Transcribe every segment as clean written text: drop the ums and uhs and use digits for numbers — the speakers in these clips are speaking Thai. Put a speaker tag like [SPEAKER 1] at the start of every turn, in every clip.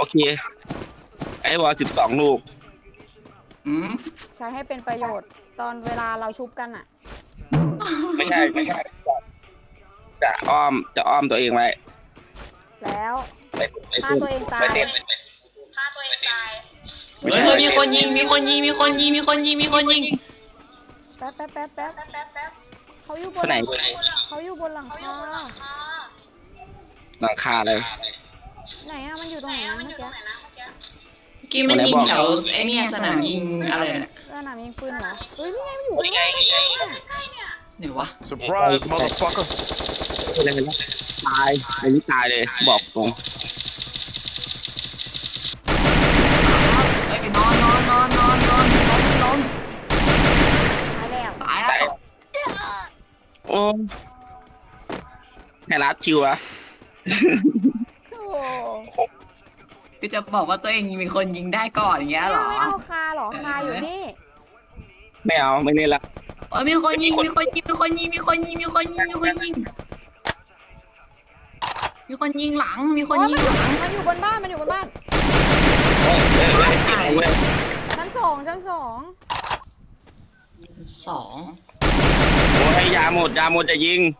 [SPEAKER 1] โอเคไอ้วอล12 ลูก
[SPEAKER 2] อืม
[SPEAKER 3] ใช้ให้เป็นประโยชน์ตอนเวลาเราชุบกันอะ
[SPEAKER 1] ไม่ใช่จะอ้อมตัวเองไว้
[SPEAKER 3] แล้ว
[SPEAKER 1] ไป
[SPEAKER 3] ถ้าตัวเองตาย
[SPEAKER 1] ไปเต้นไม่ใช่
[SPEAKER 2] เฮ้ยมีคนยิงมีคนยิงมีคนยิงมีคนยิงมีคนยิง
[SPEAKER 3] แป๊บเขาอยู่บ
[SPEAKER 1] คน
[SPEAKER 3] น
[SPEAKER 1] ไหน
[SPEAKER 3] เขาอยู่บนหลังคา
[SPEAKER 1] หลังคาเลย
[SPEAKER 3] ไหนอะมันอยู่ตรงไหนนะเมื่อกี้
[SPEAKER 2] กี้มันยิงแถวไอ้เนี่ยสนามยิงอะไรน่ะ
[SPEAKER 3] สนามยิงปืนเหรอเฮ้ยนี่ไงมันอยู่ข้างหน้าเนี่ย
[SPEAKER 2] ไหนวะ
[SPEAKER 4] Surprise, motherfucker.
[SPEAKER 1] ตายอันนี้ตายเลยบอกตรง
[SPEAKER 2] เอ้ยนอนล้ม
[SPEAKER 3] ตายแล้ว
[SPEAKER 2] ตายแล้ว
[SPEAKER 1] โอ้แค่รัดชิวอะ
[SPEAKER 3] โอ้
[SPEAKER 2] คือจะบอกว่าตัวเองมีคนยิงได้ก่อนอย่างเงี้ยเหรอ
[SPEAKER 3] ไม่เอาคาเหรอคาอยู่นี่
[SPEAKER 1] ไม่เอาไม่เล่นละ
[SPEAKER 2] เอ้ยมีคนยิงมีคนยิงมีคนยิงหลังมีคนยิงหลัง
[SPEAKER 3] มันอยู่บนบ้านมันอยู่บนบ้าน
[SPEAKER 1] เว้ย
[SPEAKER 3] ชั้นสอง
[SPEAKER 2] สอง
[SPEAKER 1] โอ้ให้ยาหมดจะยิง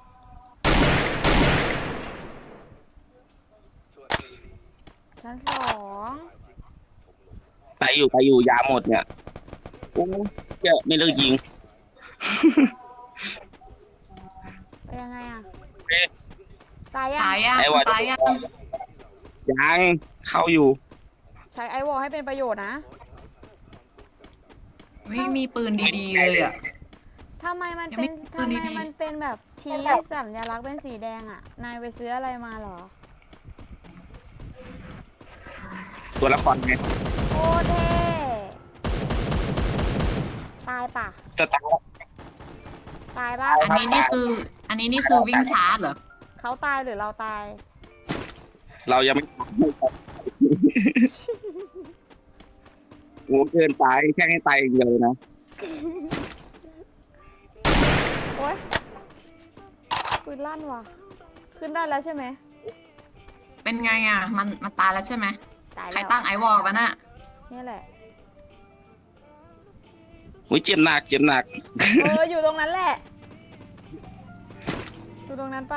[SPEAKER 3] ชั้นสอง
[SPEAKER 1] ไปอยู่ยาหมดเนี่ยโอ้เจ้าไม่เลิกยิง
[SPEAKER 3] ไปยังไงอะ
[SPEAKER 1] เอ๊ะ
[SPEAKER 3] ตายยัง
[SPEAKER 2] ตายยัง
[SPEAKER 1] ไอ้วอล
[SPEAKER 2] ตายยัง
[SPEAKER 1] ยังเข้าอยู่
[SPEAKER 3] ใช้ไอวอลให้เป็นประโยชน์นะ
[SPEAKER 2] ไม่มีปืนดีๆเลยอ่ะ
[SPEAKER 3] ทำไมมัน
[SPEAKER 2] ยังไม่
[SPEAKER 3] เป็น
[SPEAKER 2] ปืนดีๆ
[SPEAKER 3] มันเป็นแบบชี้สัญลักษณ์เป็นสีแดงอะนายไปซื้ออะไรมาเหรอ
[SPEAKER 1] ตัวละครไง
[SPEAKER 3] โคตรเท่ตายปะ
[SPEAKER 1] จะตาย
[SPEAKER 3] ตายปะ
[SPEAKER 2] อันนี้นี่คือวิ่งชาร์จเหรอ
[SPEAKER 3] เขาตายหรือเราตาย
[SPEAKER 1] เรายังไม่โอ้เกินไปแค่ให้ตายอย่างเดียวเลยนะ
[SPEAKER 3] โอ๊ยปืนลั่นว่ะ ขึ้นได้แล้วใช่ไหม
[SPEAKER 2] เป็นไงอ่ะมันตายแล้วใช่ไหม
[SPEAKER 3] ตาย
[SPEAKER 2] ใคร
[SPEAKER 3] แล้ว
[SPEAKER 2] ตั้งไอวอลกันน่ะ
[SPEAKER 3] นี่แหละ
[SPEAKER 1] อุ้ยเจ็บหนัก
[SPEAKER 3] อยู่ตรงนั้นแหละ อยู่ตรงนั้นไป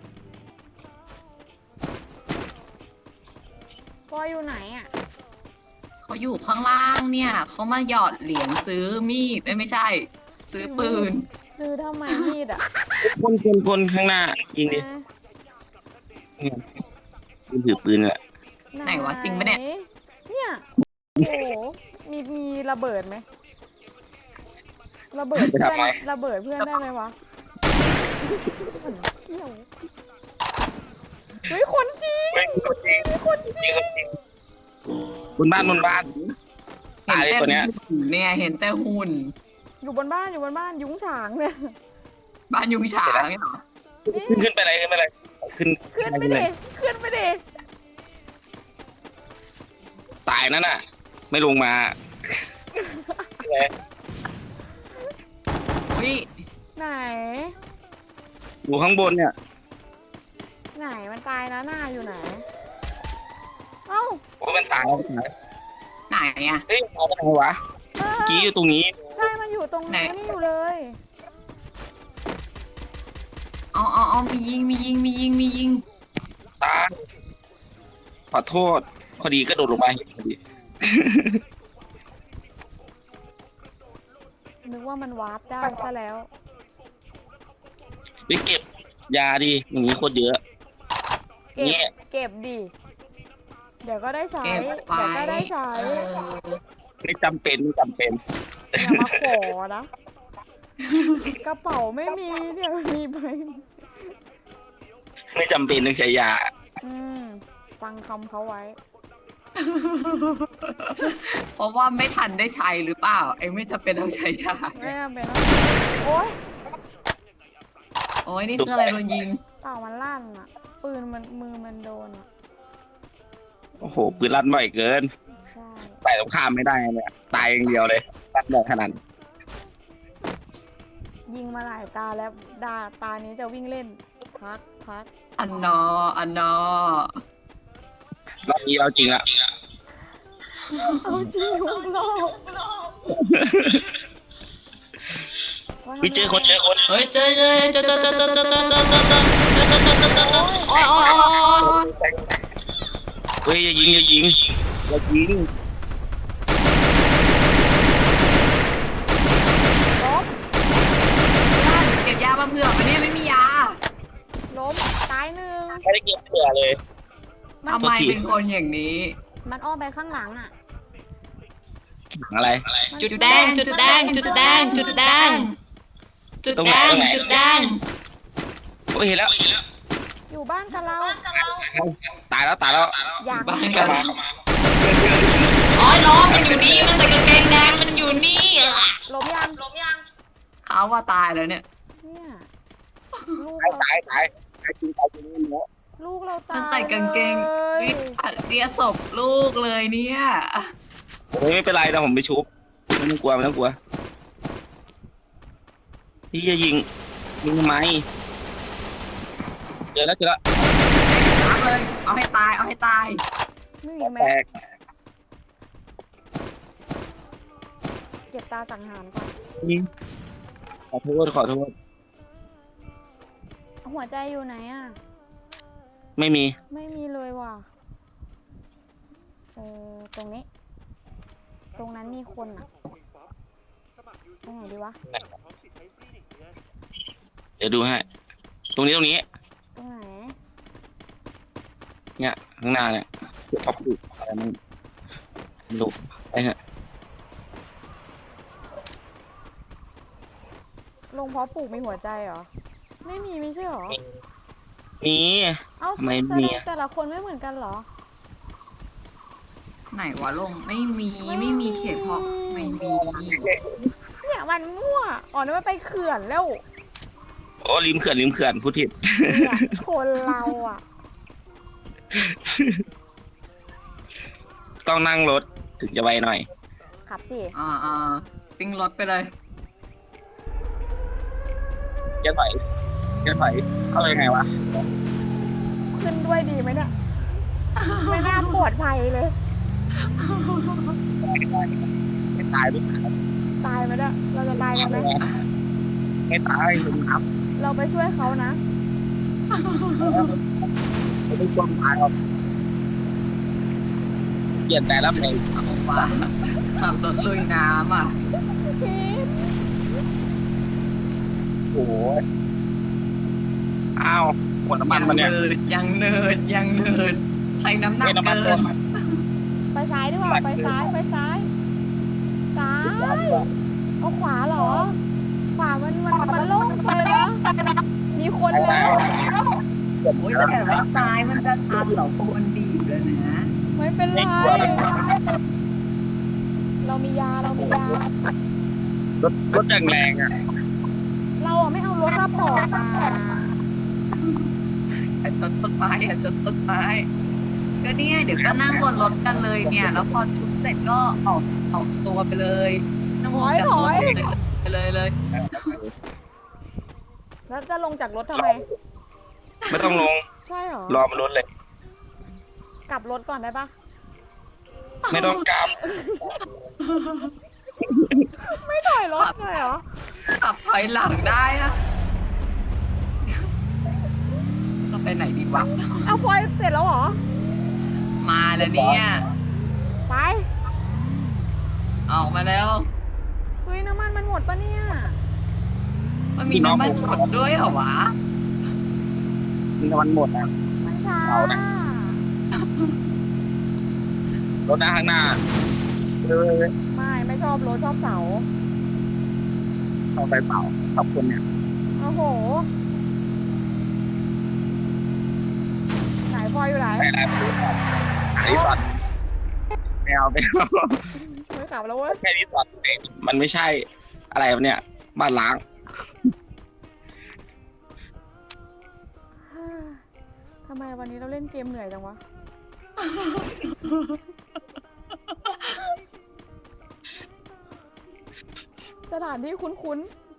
[SPEAKER 3] ปอยอยู่ไหนอ่ะ
[SPEAKER 2] เขาอยู่ข้างล่างเนี่ยเขามาหยอดเหรียญซื้อมีดไม่ใช่ ซื้อปืน
[SPEAKER 3] ซื้อทำไมมีดอ่ะ
[SPEAKER 1] คนข้างหน้ายิงดิยิงถือปืนแหละ
[SPEAKER 2] ไหนวะจริงปะเนี่ย
[SPEAKER 3] เนี่ย โอ้โห มีระเบิดไหม ระเบิดเพื่อนได้ไหมวะเขี้ยวเฮ้ยคนจริงคนจริง
[SPEAKER 1] บนบ้านตายเลยตัวเนี้ย
[SPEAKER 2] เนี่ยเห็นแต่หุ่น
[SPEAKER 3] อยู่บนบ้านยุ้งฉางเนี่ย
[SPEAKER 2] บ้านยุงฉางเนี่ยเหรอ
[SPEAKER 1] ขึ้นไปเลยขึ้น
[SPEAKER 3] ขึ้นไปดิ
[SPEAKER 1] ตายนั่นน่ะ ไม่ลงมา
[SPEAKER 2] วิ
[SPEAKER 3] ไหน
[SPEAKER 1] อยู่ข้างบนเนี่ย
[SPEAKER 3] ไหนมันตายนะหน้าอยู่ไหน เอ้า
[SPEAKER 1] โอ้มันตายแล้ว
[SPEAKER 2] ไหนอ่ะ
[SPEAKER 1] เฮ้ยเอาไปไหนวะ
[SPEAKER 3] เออ
[SPEAKER 1] กี้อยู่ตรงนี้
[SPEAKER 3] ใช่มันอยู่ตรง
[SPEAKER 2] ไหน
[SPEAKER 3] นี้อยู่เลย
[SPEAKER 2] เอามียิง
[SPEAKER 1] ตายขอโทษพอดีก็โดดลงไปพอดี
[SPEAKER 3] นึกว่ามันวาร์ปได้ซะแล้ว
[SPEAKER 1] ไปเก็บยาดิอย่างนี้โคตรเยอะ เนี่ย
[SPEAKER 3] เก็บดิ เดี๋ยวก็ได้ใช้
[SPEAKER 2] เก็บ
[SPEAKER 3] เดี๋ยว
[SPEAKER 2] ไว้
[SPEAKER 3] ก็ได้ใช้
[SPEAKER 1] ไม่จำเป็น
[SPEAKER 3] อย่ามาขอนะ กระเป๋าไม่มีเดี๋ยวมีไป
[SPEAKER 1] ไม่จำเป็นต้องใช้ยา
[SPEAKER 3] ฟังคำเขาไว้
[SPEAKER 2] เพราะว่าไม่ทันได้ใช้หรือเปล่าไอ้ไม่จะเป็นต้องใช้ยา
[SPEAKER 3] ไม่จำเป็นต้องโอ๊ย
[SPEAKER 2] โอ้ยนี่คืออะไรโดนยิง
[SPEAKER 3] เปล่ามันลั่นอ่ะ ปืนมันมือมันโดนอ่ะ
[SPEAKER 1] โอ้โหปืนลั่นบ่อยเกิน
[SPEAKER 3] ใช่
[SPEAKER 1] ไปตรงข้ามไม่ได้เนี่ยตายอย่างเดียวเลยลั่นบ่อยขนาด
[SPEAKER 3] ยิงมาหลายตาแล้วตานี้จะวิ่งเล่น พัก
[SPEAKER 2] อันนอ
[SPEAKER 1] รอบนี้เราจริงละ
[SPEAKER 3] เอาจริงทุกรอบ
[SPEAKER 1] พี่เจอคน
[SPEAKER 2] เฮ้ยเจอโอ้ย
[SPEAKER 1] เฮ้ยอย่ายิง
[SPEAKER 3] ล้ม
[SPEAKER 2] เก็บยามาเผื่อมันเนี่ยไม่มียา
[SPEAKER 3] ล้มตายหนึ่ง
[SPEAKER 1] ไม่ได้เก็บเผื่อเลย
[SPEAKER 2] ทำไมเป็นคนอย่างนี้
[SPEAKER 3] มันอ้อมไปข้างหลังอ่ะ
[SPEAKER 1] อะไร
[SPEAKER 2] จุดแดง
[SPEAKER 1] โอ้ยเห็นแล้ว
[SPEAKER 3] อยู่บ้านกับเรา
[SPEAKER 1] ตายแล้ว
[SPEAKER 3] อยาก
[SPEAKER 2] บ้านกันอ๋อน้องมันอยู่นี่มันใส่กางเกงแดงมันอยู่นี่
[SPEAKER 3] ล้มยัง
[SPEAKER 2] เขาว่าตายแล้วเนี่ย
[SPEAKER 3] เนี่ยลูก
[SPEAKER 1] ตาย
[SPEAKER 3] เรา
[SPEAKER 1] ตายจริงเนาะ
[SPEAKER 3] ลูกเราตา
[SPEAKER 2] มัน
[SPEAKER 3] ย
[SPEAKER 2] ใส่กางเกง
[SPEAKER 3] เลย
[SPEAKER 2] เรียศพลูกเลยเนี่ย
[SPEAKER 1] โอ้ยไม่เป็นไรนะผมไปชุบไม่ต้องกลัวพี่จะยิงทำไมเจอแล้ว
[SPEAKER 2] รับเลยเอาให้ตาย
[SPEAKER 3] มีอีกไหม
[SPEAKER 1] แตก
[SPEAKER 3] เก็บตาสังหารก่อน
[SPEAKER 1] ขอโทษ
[SPEAKER 3] หัวใจอยู่ไหนอ่ะ
[SPEAKER 1] ไม่มี
[SPEAKER 3] ไม่มีเลยว่ะตรงนี้ ตรงนั้นมีคนอ่ะไปไหนดีวะ
[SPEAKER 1] เดี๋ยวดูให้ตรงนี้
[SPEAKER 3] ตรงไหน
[SPEAKER 1] เนี่ยข้างหน้าเนี่ยท็อปอยู่อะไรมันดูไปฮะ
[SPEAKER 3] ลงเพาะปลูกมีหัวใจเหรอ ไม่มีไม่ใช่เหรอ
[SPEAKER 1] มี
[SPEAKER 3] เอ้า
[SPEAKER 1] ทำไม
[SPEAKER 3] แส
[SPEAKER 1] มี
[SPEAKER 3] ดง
[SPEAKER 1] อะ
[SPEAKER 3] แต่ละคนไม่เหมือนกันเหรอ
[SPEAKER 2] ไหนวะลงไม่มีเขียนเพราะไม่มี
[SPEAKER 3] เนี่ยมันมั่ว อ๋อนี่มันไปเขื่อนแล้ว
[SPEAKER 1] โอ้ริมเขื่อนพูดผิด
[SPEAKER 3] เนี่ยคนเราอ่ะ
[SPEAKER 1] ต้องนั่งรถถึงจะไวหน่อย
[SPEAKER 3] ขับสิ
[SPEAKER 2] ติ้งรถไปเลย
[SPEAKER 1] จะถอยเข้าเลยไงวะ
[SPEAKER 3] ขึ้นด้วยดีไหมเนี่ย ไม่น่าปลอดภัยเลย
[SPEAKER 1] ไม่ตายด้วย
[SPEAKER 3] ตายไหมเนี่ยเราจะตายกันไหม
[SPEAKER 1] ไม่ตายผมครับ
[SPEAKER 3] เราไปช่วยเขานะ
[SPEAKER 1] ไม่ได้ความตายหรอกเปลี่ยนแต่ละเพลง
[SPEAKER 2] เอาว่าขับรถลุยน้ำอ่ะ
[SPEAKER 3] พีม
[SPEAKER 1] โอ้ยอ้าวหมดน้ำมันมาเนี่ย
[SPEAKER 2] ยังเนิร์ดใช้น้ำหนัก
[SPEAKER 1] ไม่น้ำมัน
[SPEAKER 2] เกิ
[SPEAKER 1] เติ
[SPEAKER 2] น
[SPEAKER 1] ม
[SPEAKER 3] ไปซ้ายดีกว่า ไปซ้าย ซ้าย เอาขวาเหรอ ขวามันโล่งไปแล้วมีคนแล้ว
[SPEAKER 2] โอ้ยแต่ว่าตายมันจะทันเหรอคนดีเลยนะ
[SPEAKER 3] ไม่เป็นไร เรามียา
[SPEAKER 1] รถแรงอ่ะ
[SPEAKER 3] เราอ่ะไม่เอารถซัพพอร์ตมา
[SPEAKER 2] ชนต้นไม้ชนต้นไม้ก็เนี่ยเดี๋ยวก็นั่งบนรถกันเลยเนี่ย แล้วพอชุดเสร็จก็ออกตัวไปเลยนั่งบนจากรถไปเลย
[SPEAKER 3] แล้วจะลงจากรถทำไม
[SPEAKER 1] ไม่ต้องลง
[SPEAKER 3] ใช่เหรอ
[SPEAKER 1] รอมันรถเลย
[SPEAKER 3] กลับรถก่อนได้ปะ
[SPEAKER 1] ไม่ต้องกลับ
[SPEAKER 3] ไม่ถอยรถเลยเหรอ
[SPEAKER 2] ขับถอยหลังได้อะเราไปไหนดีวะ
[SPEAKER 3] เอาฟอยล์เสร็จแล้วเหรอ
[SPEAKER 2] มาแล้วเนี่ย
[SPEAKER 3] ไป
[SPEAKER 2] ออกมาแล้ว
[SPEAKER 3] เฮ้ยน้ำมันมันหมดปะเนี่ย
[SPEAKER 2] มันมีน้ำมันหมดด้วยเหรอวะ
[SPEAKER 1] มันหมดอ่ะ
[SPEAKER 3] มันช้า
[SPEAKER 1] เอานะ รถหน้าข้างหน้าเลย
[SPEAKER 3] ไม่ชอบรถชอบเสา
[SPEAKER 1] เอาไปเปล่าขอบคุณเนี่ย
[SPEAKER 3] โอ้โห ไหนฟอยอยู่ไหน
[SPEAKER 1] ไม่ได้รีสอร์ทไม่เอา
[SPEAKER 3] ช่วยขับแล้วเว้ย
[SPEAKER 1] แค่รีสอร์ทมันไม่ใช่อะไรวะเนี่ยบ้านล้าง
[SPEAKER 3] ทำไมวันนี้เราเล่นเกมเหนื่อยจังวะ สถานที่คุ้น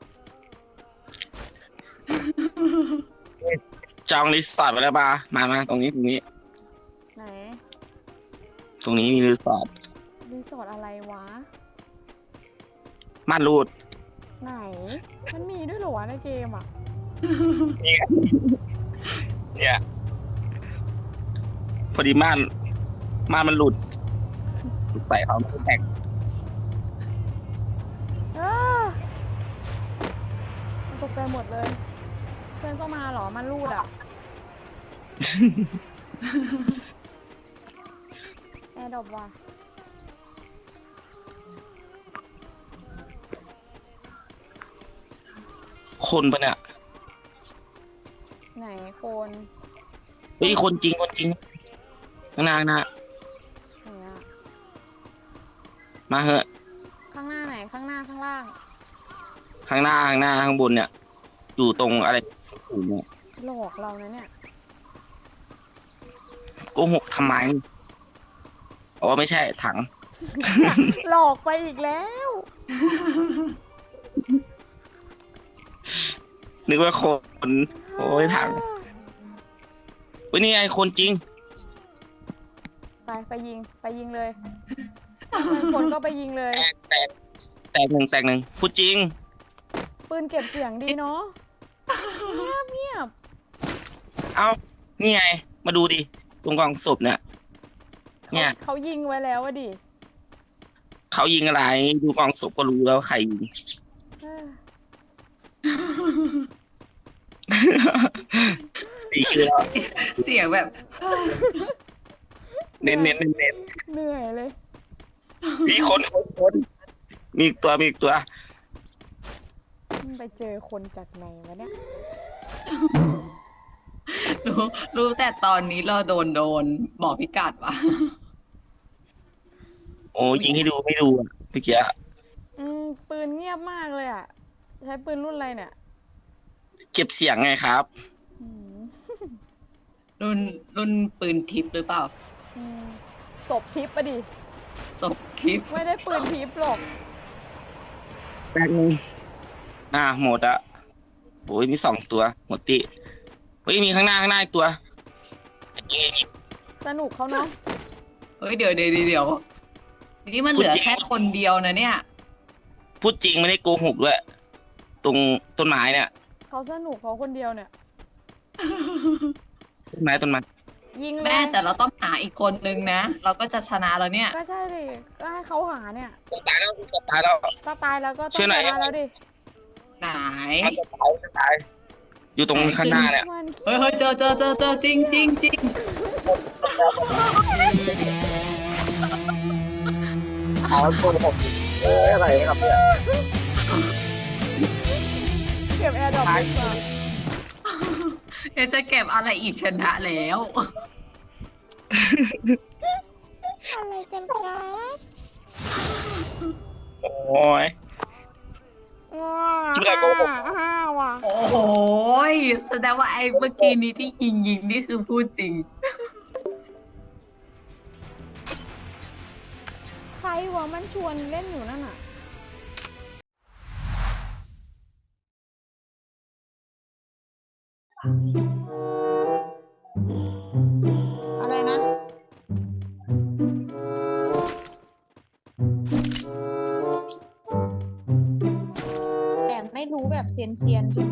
[SPEAKER 1] จองรีสอร์ทไปแล้วมาตรงนี้
[SPEAKER 3] ๆ ไหน
[SPEAKER 1] ตรงนี้มีรีสอร์ท
[SPEAKER 3] รีสอร์ทอะไรวะ
[SPEAKER 1] ม่านรูด
[SPEAKER 3] ไหน มันมีด้วยเหรอวะในเกมอ่ะ
[SPEAKER 1] เนี่ยพอดีม่านมันหลุดใส่เขาไม่แท็ก
[SPEAKER 3] มันตกใจหมดเลย เพื่อนก็มาเหรอ มันรูดอ่ะ แอร์ดรอปว่ะ
[SPEAKER 1] คนปะเนี่ย
[SPEAKER 3] ไหนโคน
[SPEAKER 1] เฮ้ยคนจริงข้างหน้า
[SPEAKER 3] ไหนอะ
[SPEAKER 1] มาเหอะ
[SPEAKER 3] ข้างหน้าไหน ข้างหน้าข้างล่าง
[SPEAKER 1] ข้างหน้าข้างบนเนี่ย อยู่ตรงอะไรสูงเนี่ย
[SPEAKER 3] หลอกเรานะเนี่ย
[SPEAKER 1] โกหกทำไมอ๋อไม่ใช่ถัง
[SPEAKER 3] หลอกไปอีกแล้ว
[SPEAKER 1] นึกว่าคนโอ้ยถังเฮ้ยนี่ไงคนจริง
[SPEAKER 3] ไปยิงเลยคนก็ไปยิงเลย
[SPEAKER 1] แตกหนึ่งพูดจริง
[SPEAKER 3] ปืนเก็บเสียงดีเนาะเงียบ
[SPEAKER 1] เอ้านี่ไง มาดูดิตรงกองศพเนี่ย เนี่ย
[SPEAKER 3] เขายิงไว้แล้วอะดิ
[SPEAKER 1] เขายิงอะไร ดูกองศพก็รู้แล้วใครยิง
[SPEAKER 3] เออ
[SPEAKER 1] ตีชื่อแล้ว
[SPEAKER 2] เสียงแบบ
[SPEAKER 1] เน้น
[SPEAKER 3] เหนื่อยเลย
[SPEAKER 1] มีคนมีอีกตัว
[SPEAKER 3] ไปเจอคนจากไหนวะเนี่ย
[SPEAKER 2] รู้แต่ตอนนี้เราโดนบอกพิกัดวะ
[SPEAKER 1] โอ้ยิงให้ดูไม่ดูอะเมื่อกี้
[SPEAKER 3] ปืนเงียบมากเลยอ่ะ ใช้ปืนรุ่นอะไรเนี่ย
[SPEAKER 1] เก็บเสียงไงครับ
[SPEAKER 3] อืม
[SPEAKER 2] รุ่นปืนทิพย์หรือเปล่า
[SPEAKER 3] อืมศพทิพย์ปะดิ
[SPEAKER 2] ศพทิพย์
[SPEAKER 3] ไม่ได้ปืนทิพย์หรอก
[SPEAKER 1] แป๊บนึงหมดอะโอ้ยมี2 ตัวหมดติเฮ้ยมีข้างหน้าอีกตัวยิง
[SPEAKER 3] สนุกเขาเนาะ
[SPEAKER 2] เฮ้ยเดี๋ยวนี่มันเหลือแค่คนเดียวนะเนี่ย
[SPEAKER 1] พูดจริงไม่ได้โกหกด้วยตรงต้นไม้เนี่ย
[SPEAKER 3] เขาสนุกเขาคนเดียวเนี่ย
[SPEAKER 1] ต้นไม้
[SPEAKER 3] ยิงเล
[SPEAKER 2] แม่
[SPEAKER 3] ย
[SPEAKER 2] แต่เราต้องหาอีกคนนึงนะ เราก็จะชนะแล้วเนี่ย
[SPEAKER 3] ก็ใช่ดิก็ให้เขาหาเนี่ย
[SPEAKER 1] ตายแล้ว
[SPEAKER 3] ถ้าตายแล้วก็ต้อ
[SPEAKER 1] ช่ว
[SPEAKER 3] ง
[SPEAKER 1] ยหน่อย
[SPEAKER 3] ชนะแล้วดิ
[SPEAKER 2] ไหน
[SPEAKER 1] ตายอยู่ตรงข้างหน้าเนี่ย
[SPEAKER 3] มัน
[SPEAKER 2] เฮ้ยเจอจริง
[SPEAKER 1] เอาคนผมอะไรครับเนี่ย
[SPEAKER 3] เก็บแอร์ดรอปดีกว่า
[SPEAKER 2] เดี๋ยวจะเก็บอะไรอีกชนะแล้ว
[SPEAKER 3] อะไรกันครับ
[SPEAKER 1] โอ้ย
[SPEAKER 3] ว้า
[SPEAKER 1] จริงเหรอโกหก
[SPEAKER 3] ห้าว่ะ
[SPEAKER 2] โอ้โหแสดงว่าไอ้เมื่อกี้นี้ที่ยิงนี่คือพูดจริง
[SPEAKER 3] ใครวะมันชวนเล่นอยู่นั่นน่ะ อะไรนะ
[SPEAKER 4] แต่ไม่รู้แบบเซียนๆใช่ไหม